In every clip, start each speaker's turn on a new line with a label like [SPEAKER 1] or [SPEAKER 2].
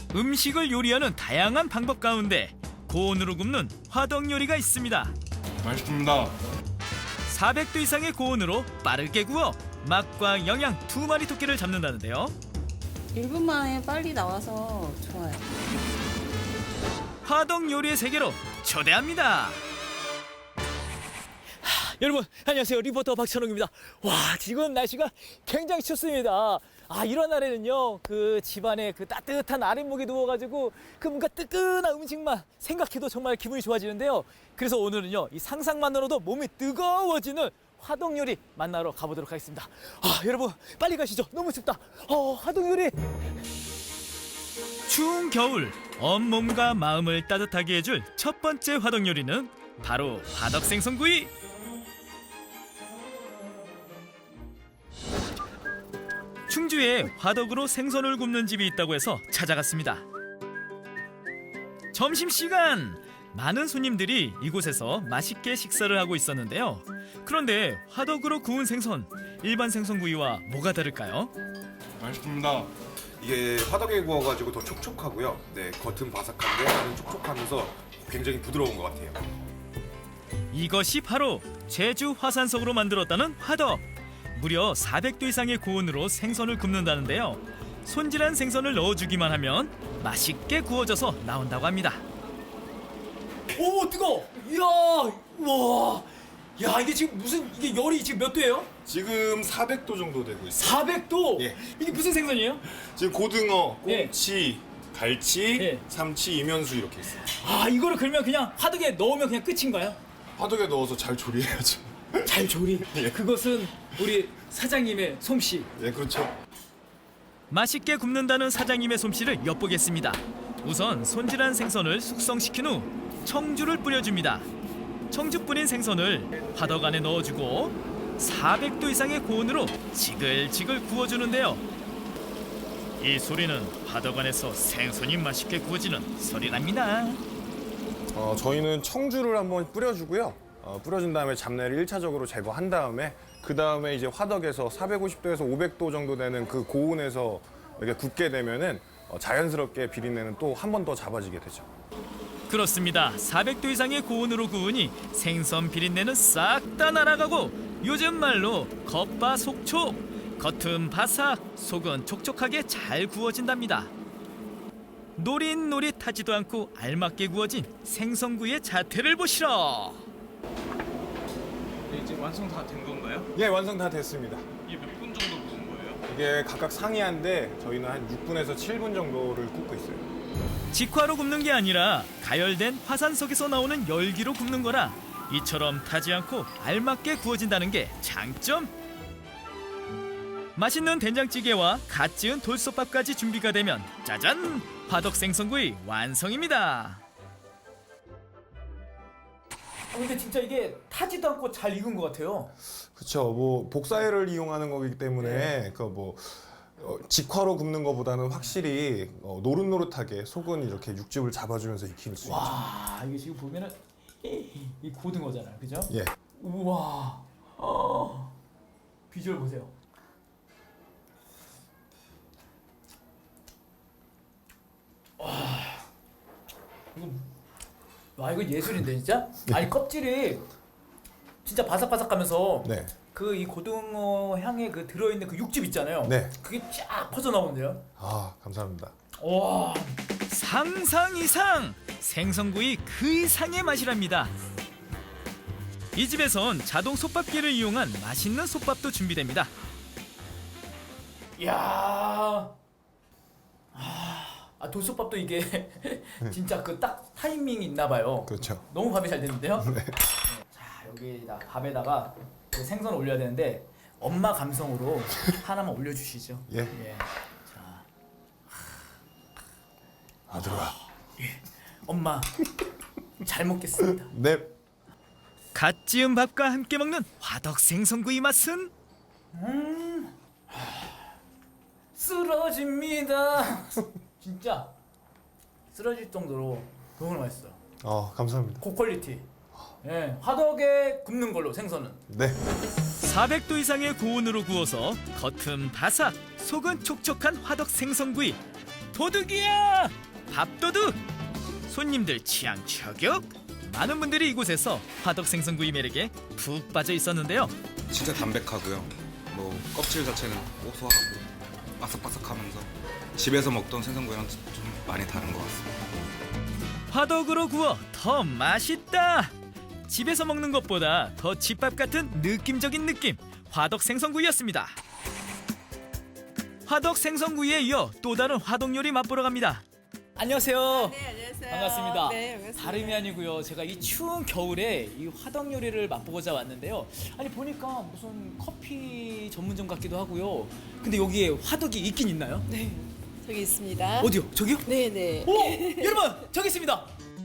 [SPEAKER 1] 음식을 요리하는 다양한 방법 가운데 고온으로 굽는 화덕 요리가 있습니다.
[SPEAKER 2] 맛있습니다.
[SPEAKER 1] 400도 이상의 고온으로 빠르게 구워 맛과 영양 두 마리 토끼를 잡는다는데요.
[SPEAKER 3] 1분 만에 빨리 나와서 좋아요.
[SPEAKER 1] 화덕 요리의 세계로 초대합니다.
[SPEAKER 4] 여러분 안녕하세요, 리포터 박찬웅입니다. 와, 지금 날씨가 굉장히 춥습니다. 이런 날에는요, 그 집안에 그 따뜻한 아랫목에 누워가지고 그 뭔가 뜨끈한 음식만 생각해도 정말 기분이 좋아지는데요. 그래서 오늘은요, 이 상상만으로도 몸이 뜨거워지는 화덕 요리 만나러 가보도록 하겠습니다. 여러분 빨리 가시죠. 너무 춥다. 화덕 요리.
[SPEAKER 1] 추운 겨울 온몸과 마음을 따뜻하게 해줄 첫 번째 화덕 요리는 바로 화덕 생선구이. 충주에 화덕으로 생선을 굽는 집이 있다고 해서 찾아갔습니다. 점심시간! 많은 손님들이 이곳에서 맛있게 식사를 하고 있었는데요. 그런데 화덕으로 구운 생선, 일반 생선구이와 뭐가 다를까요?
[SPEAKER 2] 맛있습니다.
[SPEAKER 5] 이게 화덕에 구워가지고 더 촉촉하고요. 네, 겉은 바삭한데 안은 촉촉하면서 굉장히 부드러운 것 같아요.
[SPEAKER 1] 이것이 바로 제주 화산석으로 만들었다는 화덕. 무려 400도 이상의 고온으로 생선을 굽는다는데요. 손질한 생선을 넣어주기만 하면 맛있게 구워져서 나온다고 합니다.
[SPEAKER 4] 오, 뜨거워. 이야, 와, 야, 이게 지금 무슨, 이게 열이 지금 몇 도예요?
[SPEAKER 2] 지금 400도 정도 되고 있어요.
[SPEAKER 4] 400도?
[SPEAKER 2] 예.
[SPEAKER 4] 이게 무슨 생선이에요?
[SPEAKER 2] 지금 고등어,
[SPEAKER 4] 예.
[SPEAKER 2] 꽁치, 갈치,
[SPEAKER 4] 예.
[SPEAKER 2] 삼치, 이면수 이렇게 있어요.
[SPEAKER 4] 이거를 그러면 그냥 화덕에 넣으면 그냥 끝인가요?
[SPEAKER 2] 화덕에 넣어서 잘 조리해야죠.
[SPEAKER 4] 잘 조리.
[SPEAKER 2] 예.
[SPEAKER 4] 그것은 우리 사장님의 솜씨.
[SPEAKER 2] 예, 그렇죠.
[SPEAKER 1] 맛있게 굽는다는 사장님의 솜씨를 엿보겠습니다. 우선 손질한 생선을 숙성시킨 후 청주를 뿌려줍니다. 청주 뿌린 생선을 화덕 안에 넣어주고 400도 이상의 고온으로 지글지글 구워주는데요. 이 소리는 화덕 안에서 생선이 맛있게 구워지는 소리랍니다.
[SPEAKER 5] 저희는 청주를 한번 뿌려주고요. 뿌려준 다음에 잡내를 1차적으로 제거한 다음에 그 다음에 이제 화덕에서 450도에서 500도 정도 되는 그 고온에서 이렇게 굽게 되면은 자연스럽게 비린내는 또 한 번 더 잡아지게 되죠.
[SPEAKER 1] 그렇습니다. 400도 이상의 고온으로 구우니 생선 비린내는 싹 다 날아가고 요즘 말로 겉바속촉, 겉은 바삭, 속은 촉촉하게 잘 구워진답니다. 노릿노릿하지도 않고 알맞게 구워진 생선구이의 자태를 보시라.
[SPEAKER 6] 이제 완성 다 된 건가요?
[SPEAKER 5] 예, 완성 다 됐습니다.
[SPEAKER 6] 이게 몇 분 정도 구운 거예요?
[SPEAKER 5] 이게 각각 상이한데 저희는 한 6분에서 7분 정도를 굽고 있어요.
[SPEAKER 1] 직화로 굽는 게 아니라 가열된 화산석에서 나오는 열기로 굽는 거라 이처럼 타지 않고 알맞게 구워진다는 게 장점. 맛있는 된장찌개와 갓 지은 돌솥밥까지 준비가 되면 짜잔! 화덕 생선구이 완성입니다.
[SPEAKER 4] 근데 진짜 이게 타지도 않고 잘 익은 것 같아요.
[SPEAKER 5] 그렇죠. 뭐 복사열을 이용하는 거기 때문에 그 뭐 직화로 굽는 것보다는 확실히 노릇노릇하게 속은 이렇게 육즙을 잡아주면서 익힐 수 있죠.
[SPEAKER 4] 와, 이게 지금 보면은 이 고등어잖아요, 그죠?
[SPEAKER 5] 예.
[SPEAKER 4] 우와, 비주얼 보세요. 이거 예술인데 진짜? 아니 껍질이 진짜 바삭바삭하면서
[SPEAKER 5] 네.
[SPEAKER 4] 그 이 고등어 향에 그 들어있는 그 육즙 있잖아요.
[SPEAKER 5] 네.
[SPEAKER 4] 그게 쫙 퍼져 나오는데요.
[SPEAKER 5] 감사합니다.
[SPEAKER 4] 와,
[SPEAKER 1] 상상 이상! 생선구이 그 이상의 맛이랍니다. 이 집에선 자동 솥밥기를 이용한 맛있는 솥밥도 준비됩니다.
[SPEAKER 4] 이야, 돌솥밥도 이게 진짜 그 딱 타이밍이 있나 봐요.
[SPEAKER 5] 그렇죠.
[SPEAKER 4] 너무 밥이 잘 됐는데요. 네. 자, 여기다 밥에다가 그 생선 올려야 되는데 엄마 감성으로 하나만 올려주시죠.
[SPEAKER 5] 예.
[SPEAKER 4] 자,
[SPEAKER 5] 아들아.
[SPEAKER 4] 엄마 잘 먹겠습니다.
[SPEAKER 5] 네.
[SPEAKER 1] 갓 지은 밥과 함께 먹는 화덕 생선구이 맛은?
[SPEAKER 4] 쓰러집니다. 진짜 쓰러질 정도로 너무 맛있어요.
[SPEAKER 5] 감사합니다.
[SPEAKER 4] 고퀄리티. 예, 화덕에 굽는 걸로 생선은.
[SPEAKER 5] 네.
[SPEAKER 1] 400도 이상의 고온으로 구워서 겉은 바삭, 속은 촉촉한 화덕 생선구이. 도둑이야! 밥도둑! 손님들 취향 저격! 많은 분들이 이곳에서 화덕 생선구이 매력에 푹 빠져 있었는데요.
[SPEAKER 7] 진짜 담백하고요. 뭐 껍질 자체는 고소하고 바삭바삭하면서 집에서 먹던 생선구이랑 좀 많이 다른 것 같습니다.
[SPEAKER 1] 화덕으로 구워 더 맛있다! 집에서 먹는 것보다 더 집밥 같은 느낌적인 느낌, 화덕 생선구이였습니다. 화덕 생선구이에 이어 또 다른 화덕 요리 맛보러 갑니다.
[SPEAKER 4] 안녕하세요.
[SPEAKER 3] 네, 안녕하세요.
[SPEAKER 4] 반갑습니다.
[SPEAKER 3] 네, 반갑습니다.
[SPEAKER 4] 다름이 아니고요. 제가 이 추운 겨울에 이 화덕 요리를 맛보고자 왔는데요. 아니 보니까 무슨 커피 전문점 같기도 하고요. 근데 여기에 화덕이 있긴 있나요?
[SPEAKER 3] 네, 저기 있습니다.
[SPEAKER 4] 어디요? 저기요?
[SPEAKER 3] 네, 네.
[SPEAKER 4] 오! 여러분 저기 있습니다.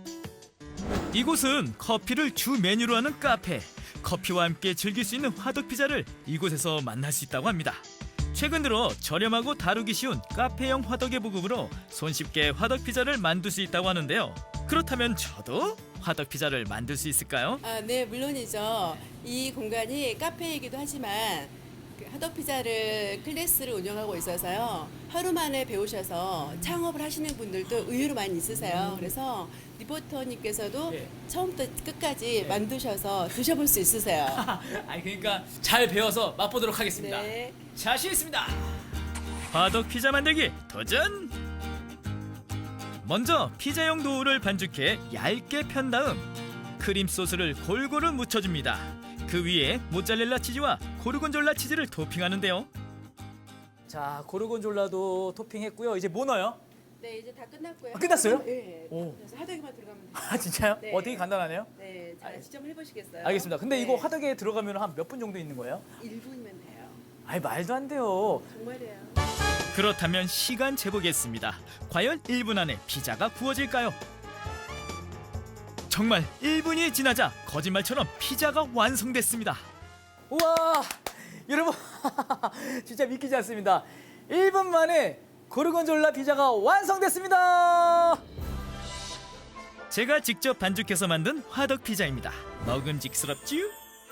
[SPEAKER 1] 이곳은 커피를 주 메뉴로 하는 카페. 커피와 함께 즐길 수 있는 화덕 피자를 이곳에서 만날 수 있다고 합니다. 최근 들어 저렴하고 다루기 쉬운 카페형 화덕의 보급으로 손쉽게 화덕 피자를 만들 수 있다고 하는데요. 그렇다면 저도 화덕 피자를 만들 수 있을까요?
[SPEAKER 8] 아, 네, 물론이죠. 이 공간이 카페이기도 하지만 그 하덕 피자를 클래스를 운영하고 있어서요. 하루 만에 배우셔서 창업을 하시는 분들도 의외로 많이 있으세요. 그래서 리포터님께서도
[SPEAKER 4] 네.
[SPEAKER 8] 처음부터 끝까지 만드셔서 드셔볼 수 있으세요.
[SPEAKER 4] 아니 그러니까 잘 배워서 맛보도록 하겠습니다.
[SPEAKER 8] 네.
[SPEAKER 4] 자신 있습니다.
[SPEAKER 1] 화덕 피자 만들기 도전! 먼저 피자용 도우를 반죽해 얇게 편 다음 크림 소스를 골고루 묻혀줍니다. 그 위에 모짜렐라 치즈와 고르곤졸라 치즈를 토핑하는데요.
[SPEAKER 4] 자 고르곤졸라도 토핑했고요. 이제 뭐 넣어요?
[SPEAKER 8] 네, 이제 다 끝났고요.
[SPEAKER 4] 아, 끝났어요?
[SPEAKER 8] 네.
[SPEAKER 4] 오.
[SPEAKER 8] 그래서 하덕이만 들어가면 돼요.
[SPEAKER 4] 아 진짜요?
[SPEAKER 8] 네.
[SPEAKER 4] 되게 간단하네요.
[SPEAKER 8] 네, 자, 지점을 해보시겠어요?
[SPEAKER 4] 알겠습니다. 근데
[SPEAKER 8] 네.
[SPEAKER 4] 이거 화덕에 들어가면 한 몇 분 정도 있는 거예요?
[SPEAKER 8] 1분이면 돼요.
[SPEAKER 4] 아니 말도 안 돼요.
[SPEAKER 8] 정말이에요.
[SPEAKER 1] 그렇다면 시간 재보겠습니다. 과연 1분 안에 피자가 구워질까요? 정말 1분이 지나자 거짓말처럼 피자가 완성됐습니다.
[SPEAKER 4] 우와 여러분 진짜 믿기지 않습니다. 1분 만에 고르곤졸라 피자가 완성됐습니다.
[SPEAKER 1] 제가 직접 반죽해서 만든 화덕 피자입니다. 먹음직스럽지요?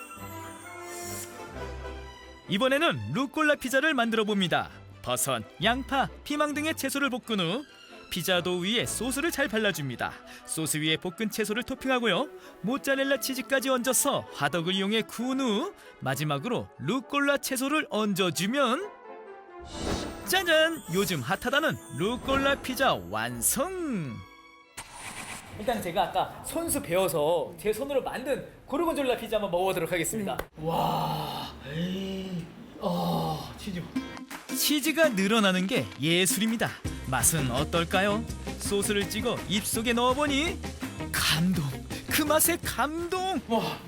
[SPEAKER 1] 이번에는 루꼴라 피자를 만들어 봅니다. 버섯, 양파, 피망 등의 채소를 볶은 후 피자 도우 위에 소스를 잘 발라줍니다. 소스 위에 볶은 채소를 토핑하고요. 모짜렐라 치즈까지 얹어서 화덕을 이용해 구운 후 마지막으로 루꼴라 채소를 얹어주면 짜잔! 요즘 핫하다는 루꼴라 피자 완성!
[SPEAKER 4] 일단 제가 아까 손수 배워서 제 손으로 만든 고르곤졸라 피자 한번 먹어보도록 하겠습니다. 와, 치즈.
[SPEAKER 1] 치즈가 늘어나는 게 예술입니다. 맛은 어떨까요? 소스를 찍어 입속에 넣어보니 감동! 그 맛에 감동!
[SPEAKER 4] 와,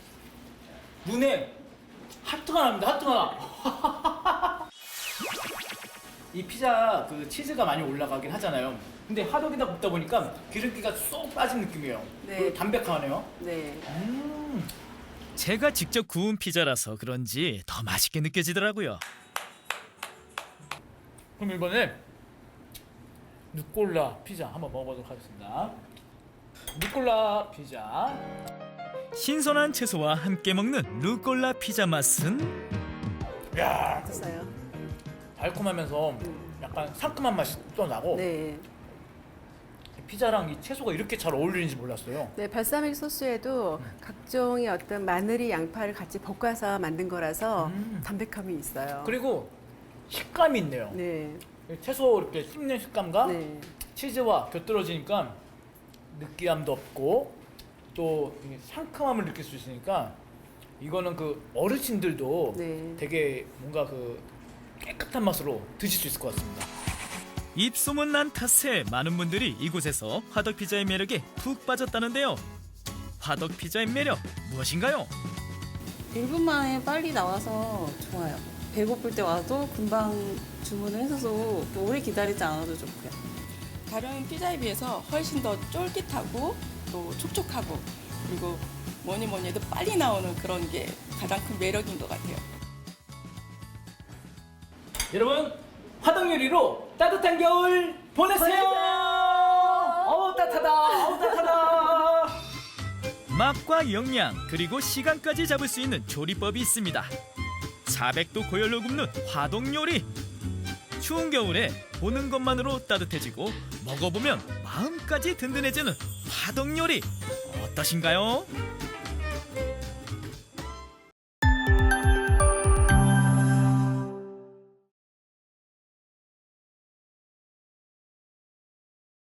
[SPEAKER 4] 눈에 하트가 납니다. 하트가. 이 피자 그 치즈가 많이 올라가긴 하잖아요. 근데 화덕에다 굽다 보니까 기름기가 쏙 빠진 느낌이에요.
[SPEAKER 8] 네.
[SPEAKER 4] 그리고 담백하네요.
[SPEAKER 8] 네.
[SPEAKER 1] 제가 직접 구운 피자라서 그런지 더 맛있게 느껴지더라고요.
[SPEAKER 4] 그럼 이번에 루꼴라 피자 한번 먹어보도록 하겠습니다. 루꼴라 피자.
[SPEAKER 1] 신선한 채소와 함께 먹는 루꼴라 피자 맛은
[SPEAKER 4] 야,
[SPEAKER 8] 어떠세요?
[SPEAKER 4] 달콤하면서 약간 상큼한 맛이 또 나고
[SPEAKER 8] 네.
[SPEAKER 4] 피자랑 이 채소가 이렇게 잘 어울리는지 몰랐어요.
[SPEAKER 8] 네, 발사믹 소스에도 각종의 어떤 마늘이 양파를 같이 볶아서 만든 거라서 담백함이 있어요.
[SPEAKER 4] 그리고 식감이 있네요.
[SPEAKER 8] 네,
[SPEAKER 4] 채소 이렇게 씹는 식감과
[SPEAKER 8] 네,
[SPEAKER 4] 치즈와 곁들여지니까 느끼함도 없고 또 이 상큼함을 느낄 수 있으니까 이거는 그 어르신들도
[SPEAKER 8] 네.
[SPEAKER 4] 되게 뭔가 그 깨끗한 맛으로 드실 수 있을 것 같습니다.
[SPEAKER 1] 입소문 난 탓에 많은 분들이 이곳에서 화덕 피자의 매력에 푹 빠졌다는데요. 화덕 피자의 매력 무엇인가요?
[SPEAKER 3] 1분 만에 빨리 나와서 좋아요. 배고플 때 와도 금방 주문을 해서도 또 오래 기다리지 않아도 좋고요.
[SPEAKER 9] 다른 피자에 비해서 훨씬 더 쫄깃하고 또 촉촉하고 그리고 뭐니 해도 빨리 나오는 그런 게 가장 큰 매력인 것 같아요.
[SPEAKER 4] 여러분 화덕 요리로 따뜻한 겨울 보내세요. 어우 따뜻하다. 어우 따뜻하다.
[SPEAKER 1] 맛과 영양 그리고 시간까지 잡을 수 있는 조리법이 있습니다. 400도 고열로 굽는 화덕 요리. 추운 겨울에 보는 것만으로 따뜻해지고 먹어보면 마음까지 든든해지는 화덕 요리 어떠신가요?